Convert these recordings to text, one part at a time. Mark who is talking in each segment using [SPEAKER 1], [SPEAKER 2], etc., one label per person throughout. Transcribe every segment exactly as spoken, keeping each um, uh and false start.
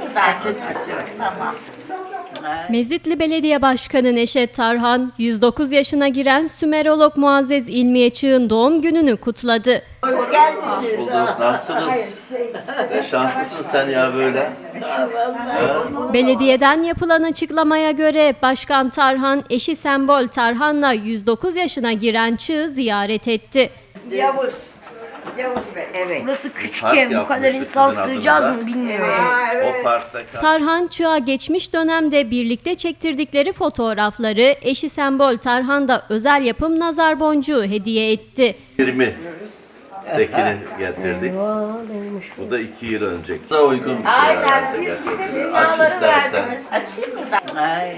[SPEAKER 1] Tamam.
[SPEAKER 2] Mezitli Belediye Başkanı Neşet Tarhan, yüz dokuz yaşına giren Sümerolog Muazzez İlmiye Çığ'ın doğum gününü kutladı.
[SPEAKER 1] Hoş geldiniz.
[SPEAKER 3] Bulduk. Nasılsınız? E, şanslısın sen ya böyle.
[SPEAKER 2] Belediyeden yapılan açıklamaya göre Başkan Tarhan, eşi Sembol Tarhan'la yüz dokuz yaşına giren Çığ'ı ziyaret etti.
[SPEAKER 1] Yavuz. Yavuz Bey. Evet.
[SPEAKER 4] Burası küçük
[SPEAKER 3] Park
[SPEAKER 4] ev, bu kadar
[SPEAKER 3] yapmıştık
[SPEAKER 4] insan
[SPEAKER 3] sizin
[SPEAKER 4] sığacağız
[SPEAKER 3] adınıza.
[SPEAKER 4] mı bilmiyorum.
[SPEAKER 1] Aa, evet.
[SPEAKER 3] O parkta kal-
[SPEAKER 2] Tarhan, Çığa geçmiş dönemde birlikte çektirdikleri fotoğrafları eşi Sembol Tarhan da özel yapım nazar boncuğu hediye etti.
[SPEAKER 3] yirmi tekini getirdik. Bu da iki yıl önceki. Da uygun bir şey
[SPEAKER 1] Aynen
[SPEAKER 3] herhalde
[SPEAKER 1] siz bize
[SPEAKER 3] gerçekten. Aç
[SPEAKER 1] dünyaları
[SPEAKER 3] istersen.
[SPEAKER 1] verdiniz. Açayım mı ben? Ay.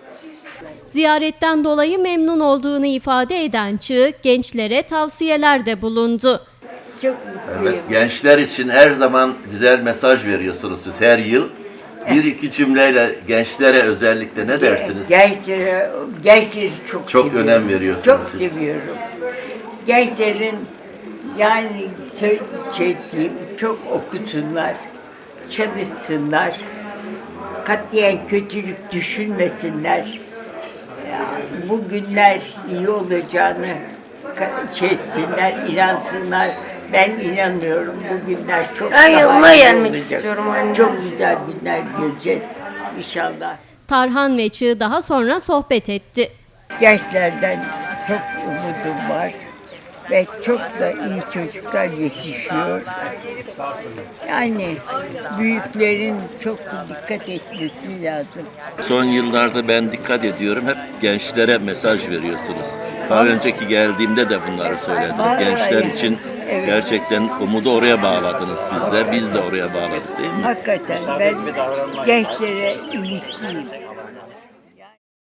[SPEAKER 2] Ziyaretten dolayı memnun olduğunu ifade eden Çığ, gençlere tavsiyelerde bulundu.
[SPEAKER 4] Çok
[SPEAKER 3] Evet, gençler için her zaman güzel mesaj veriyorsunuz siz her yıl. Bir iki cümleyle gençlere özellikle ne dersiniz?
[SPEAKER 5] Gençlere, gençleri çok
[SPEAKER 3] Çok
[SPEAKER 5] seviyorum.
[SPEAKER 3] önem veriyorsunuz
[SPEAKER 5] Çok
[SPEAKER 3] siz.
[SPEAKER 5] seviyorum. Gençlerin yani söyleyeceğim çok okusunlar, çalışsınlar, katiyen kötülük düşünmesinler. Yani bu günler iyi olacağını ka- şey etsinler, inansınlar. Ben inanıyorum bu günler çok
[SPEAKER 4] Ben
[SPEAKER 5] daha
[SPEAKER 4] yanına
[SPEAKER 5] iyi
[SPEAKER 4] gelmek
[SPEAKER 5] olacak.
[SPEAKER 4] istiyorum anne.
[SPEAKER 5] Çok güzel günler göreceğiz inşallah.
[SPEAKER 2] Tarhan ve Çığ daha sonra sohbet etti.
[SPEAKER 5] Gençlerden çok umudum var ve çok da iyi çocuklar yetişiyor. Yani büyüklerin çok dikkat etmesi lazım.
[SPEAKER 3] Son yıllarda ben dikkat ediyorum. Hep gençlere mesaj veriyorsunuz. Daha önceki geldiğimde de bunları söyledim.
[SPEAKER 5] Vallahi
[SPEAKER 3] Gençler
[SPEAKER 5] yani,
[SPEAKER 3] için
[SPEAKER 5] evet.
[SPEAKER 3] gerçekten umudu oraya bağladınız sizler. Biz de oraya bağladık değil mi?
[SPEAKER 5] Hakikaten ben gençlere ümitliyim.